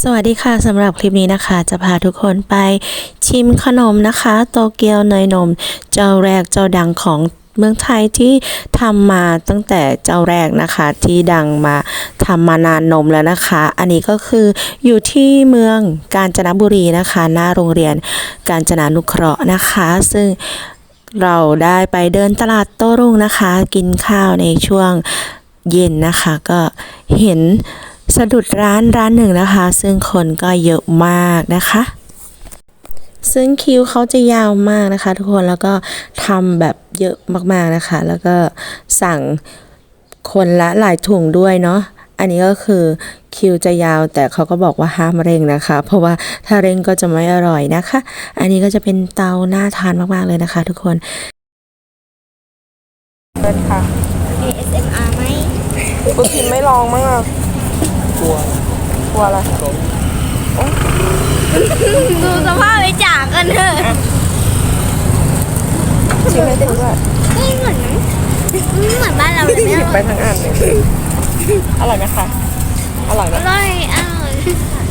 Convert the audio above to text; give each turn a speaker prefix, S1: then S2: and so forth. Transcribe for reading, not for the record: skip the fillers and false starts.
S1: สวัสดีค่ะสำหรับคลิปนี้นะคะจะพาทุกคนไปชิมขนมนะคะโตเกียวเนยนมเจ้าแรกเจ้าดังของเมืองไทยที่ทำมาตั้งแต่เจ้าแรกนะคะที่ดังมาทำมานานนมแล้วนะคะอันนี้ก็คืออยู่ที่เมืองกาญจนบุรีนะคะหน้าโรงเรียนกาญจนานุเคราะห์นะคะซึ่งเราได้ไปเดินตลาดโต้รุ่งนะคะกินข้าวในช่วงเย็นนะคะก็เห็นสะดุดร้านหนึ่งนะคะซึ่งคนก็เยอะมากนะคะซึ่งคิวเขาจะยาวมากนะคะทุกคนแล้วก็ทำแบบเยอะมากๆนะคะแล้วก็สั่งคนละหลายถุงด้วยเนาะอันนี้ก็คือคิวจะยาวแต่เขาก็บอกว่าห้ามเร่งนะคะเพราะว่าถ้าเร่งก็จะไม่อร่อยนะคะอันนี้ก็จะเป็นเตาน่าทานมากๆเลยนะคะทุกคน
S2: เปิดค่ะ
S3: ASMR ไหม
S2: คุณพิมไม่ลองมั้งอ่ะกลัวอะไร
S3: ดูสภาพไปจากกันเถอะ
S2: ชิมให้ดูด้วย
S3: ไม่เหมือนบ้านเราเลย
S2: หยิบไปทั้งอันเลยอร่อยไหมคะอร่อยไหม
S3: อร่อย